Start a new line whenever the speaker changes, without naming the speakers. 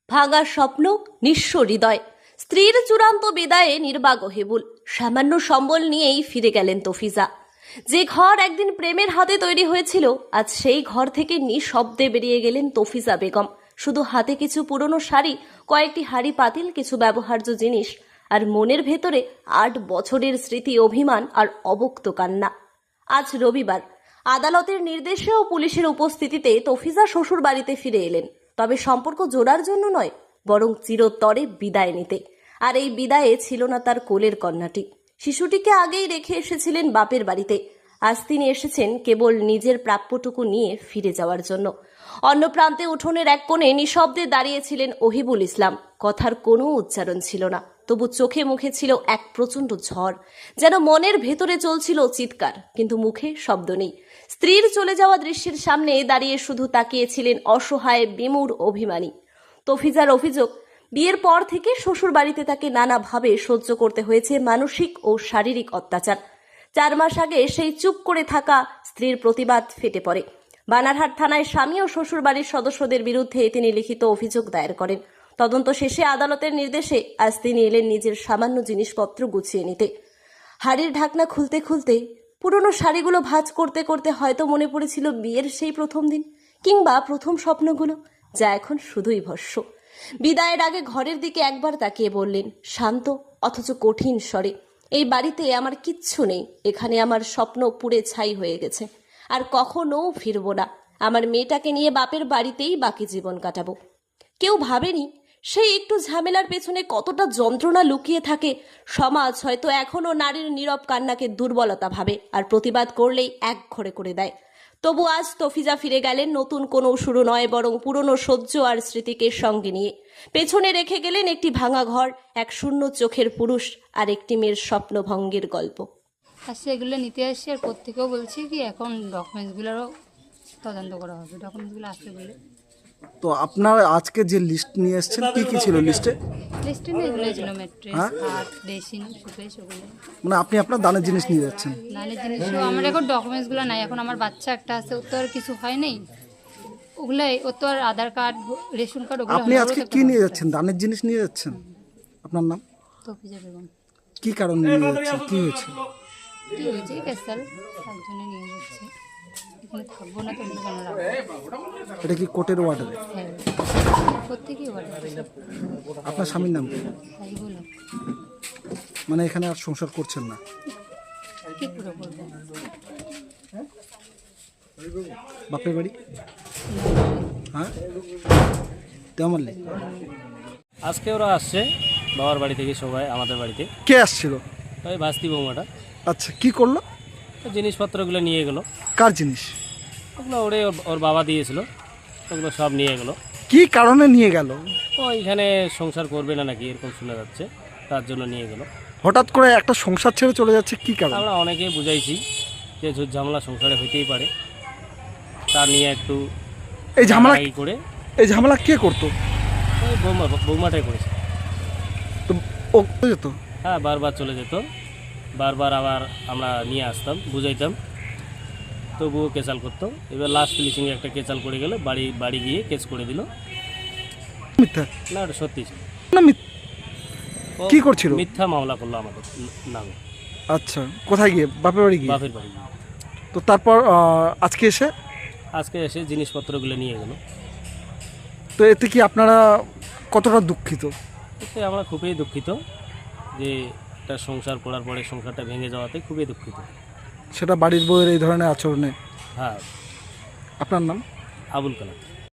ভাঙা স্বপ্ন, নিঃস্ব হৃদয়। স্ত্রীর চূড়ান্ত বিদায়ে নির্বাক হেবুল। সামান্য সম্বল নিয়েই ফিরে গেলেন তফিজা। যে ঘর একদিন প্রেমের হাতে তৈরি হয়েছিল, আজ সেই ঘর থেকে নিঃশব্দে বেরিয়ে গেলেন তফিজা বেগম। শুধু হাতে কিছু পুরনো শাড়ি, কয়েকটি হাঁড়ি পাতিল, কিছু ব্যবহার্য জিনিস, আর মনের ভেতরে ৮ বছরের স্মৃতি, অভিমান আর অবক্ত কান্না। আজ রবিবার আদালতের নির্দেশে ও পুলিশের উপস্থিতিতে তফিজা শ্বশুর বাড়িতে ফিরে এলেন। তবে সম্পর্ক জোড়ার জন্য নয়, বরং চিরতরে বিদায় নিতে। আর এই বিদায়ে ছিল না তার কোলের কন্যাটি। শিশুটিকে আগেই রেখে এসেছিলেন বাপের বাড়িতে। আজ তিনি এসেছেন কেবল নিজের প্রাপ্যটুকু নিয়ে ফিরে যাওয়ার জন্য। অন্য প্রান্তে উঠোনের এক কোণে নিঃশব্দে দাঁড়িয়েছিলেন ওহিবুল ইসলাম। কথার কোনো উচ্চারণ ছিল না, তবু চোখে মুখে ছিল এক প্রচণ্ড ঝড়। যেন মনের ভেতরে চলছিল চিৎকার, কিন্তু মুখে শব্দ নেই। স্ত্রীর চলে যাওয়া দৃশ্যের সামনে দাঁড়িয়ে শুধু তাকিয়েছিলেন অসহায়, বিমূঢ়, অভিমানী। তফিজার অভিযোগ, বিয়ের পর থেকে শ্বশুর বাড়িতে তাকে নানাভাবে সহ্য করতে হয়েছে মানসিক ও শারীরিক অত্যাচার। 4 মাস আগে সেই চুপ করে থাকা স্ত্রীর প্রতিবাদ ফেটে পড়ে। বানারহাট থানায় স্বামী ও শ্বশুর বাড়ির সদস্যদের বিরুদ্ধে তিনি লিখিত অভিযোগ দায়ের করেন। তদন্ত শেষে আদালতের নির্দেশে আজ তিনি এলেন নিজের সামান্য জিনিসপত্র গুছিয়ে নিতে। হাড়ির ঢাকনা খুলতে খুলতে, পুরনো শাড়িগুলো ভাঁজ করতে করতে হয়তো মনে পড়েছিল বিয়ের সেই প্রথম দিন, কিংবা প্রথম স্বপ্নগুলো, যা এখন শুধুই ভস্ম। বিদায়ের আগে ঘরের দিকে একবার তাকিয়ে বললেন শান্ত অথচ কঠিন স্বরে, এই বাড়িতে আমার কিচ্ছু নেই। এখানে আমার স্বপ্ন পুড়ে ছাই হয়ে গেছে, আর কখনো ফিরবো না। আমার মেয়েটাকে নিয়ে বাপের বাড়িতেই বাকি জীবন কাটাবো। কেউ ভাবেনি সেই একটু ঝামেলার পেছনে কতটা যন্ত্রণা লুকিয়ে থাকে। সমাজ হয়তো এখনো নারীর নীরব কান্নাকে দুর্বলতা ভাবে, আর প্রতিবাদ করলেই এক ঘরে করে দেয়। তবু আজ তফিজা ফিরে গেলেন নতুন কোনো শুরু নয়, বরং পুরনো সহ্য আর স্মৃতিকে সঙ্গে নিয়ে। পেছনে রেখে গেলেন একটি ভাঙা ঘর, এক শূন্য চোখের পুরুষ, আর একটি মেয়ের স্বপ্নভঙ্গের গল্প।
আর সেগুলো নিতে আসছি, আর প্রত্যেকেও বলছি কি এখন ডকুমেন্টসগুলোরও তদন্ত করা হবে, ডকুমেন্টসগুলো আসতে বলে।
তো আপনার আজকে যে লিস্ট নিয়ে এসেছেন, কি কি ছিল লিস্টে?
লিস্টে না এগুলো ছিল ম্যাট্রেস, খাট, বেসিন, সুপেশ, ওগুলো।
মানে আপনি আপনার দানের জিনিস নিয়ে যাচ্ছেন?
দানের জিনিসও আমার এখন ডকুমেন্টসগুলো নাই। এখন আমার বাচ্চা একটা আছে, ওর তো আর কিছু হয় নাই। ওগুলাই, ওর তো আর আধার কার্ড, রেশন কার্ড, ওগুলো।
আপনি আজকে কি নিয়ে যাচ্ছেন? দানের জিনিস নিয়ে যাচ্ছেন? আপনার নাম?
তফিজা বেগম।
কি কারণে নিয়ে যাচ্ছেন? কি হয়েছে?
কি হয়েছে? ক্যাসাল একজনে নিয়ে যাচ্ছে। এখানে থাকবো না, তুমি কেন রাখবো?
এটা কি কোর্টের অর্ডার?
হ্যাঁ, প্রত্যেকেই অর্ডার।
আপনার স্বামীর নাম কি?
তাই বলো,
মানে এখানে আর সংসার করছেন না?
কি পুরো করবো?
বাপের বাড়ি? হ্যাঁ, তেমনলি।
আজকে ওরা আসছে বাবার বাড়ি থেকে, সবাই আমাদের বাড়িতে।
কে আসছিল?
ওই ভাস্তি বৌমাটা।
আচ্ছা, কি করলো?
জিনিসপত্রগুলো নিয়ে গেলো।
কার জিনিস?
ওগুলো ওর বাবা দিয়েছিল, ওগুলো সব নিয়ে গেলো।
কি কারণে নিয়ে গেল?
ও এখানে সংসার করবে না নাকি এরকম শোনা যাচ্ছে, তার জন্য নিয়ে গেলো।
হঠাৎ করে একটা সংসার ছেড়ে চলে যাচ্ছে, কি কারণ?
আমরা অনেকেই বুঝাইছি যে ঝুট ঝামেলা সংসারে হইতেই পারে, তা নিয়ে একটু
এই ঝামেলা
করে।
এই ঝামেলা কে করতো?
ওই বৌমাটাই করেছে।
তো ও যেত?
হ্যাঁ, বারবার চলে যেত, বারবার আবার আমরা নিয়ে আসতাম, বুঝাইতাম, তবুও কেচাল করতো। এবার লাস্ট ফিনিশিংয়ে একটা কেচাল করে গেলে বাড়ি গিয়ে কেস করে দিল।
মিথ্যা
না, এটা সত্যি ছিল
না?
ও
কি করছিল?
মিথ্যা মামলা করলো আমাদের নামে।
আচ্ছা, কোথায় গিয়ে? বাপের বাড়ি গিয়ে?
বাপের বাড়ি গিয়ে।
তো তারপর আজকে
এসে জিনিসপত্রগুলো নিয়ে গেল।
তো এতে কি আপনারা কতটা দুঃখিত?
এতে আমরা খুবই দুঃখিত যে একটা সংসার করার পরে সংসারটা ভেঙে যাওয়াতে খুবই দুঃখিত।
সেটা বাড়ির বউয়ের এই ধরনের আচরণে?
হ্যাঁ।
আপনার নাম?
আবুল কালাম।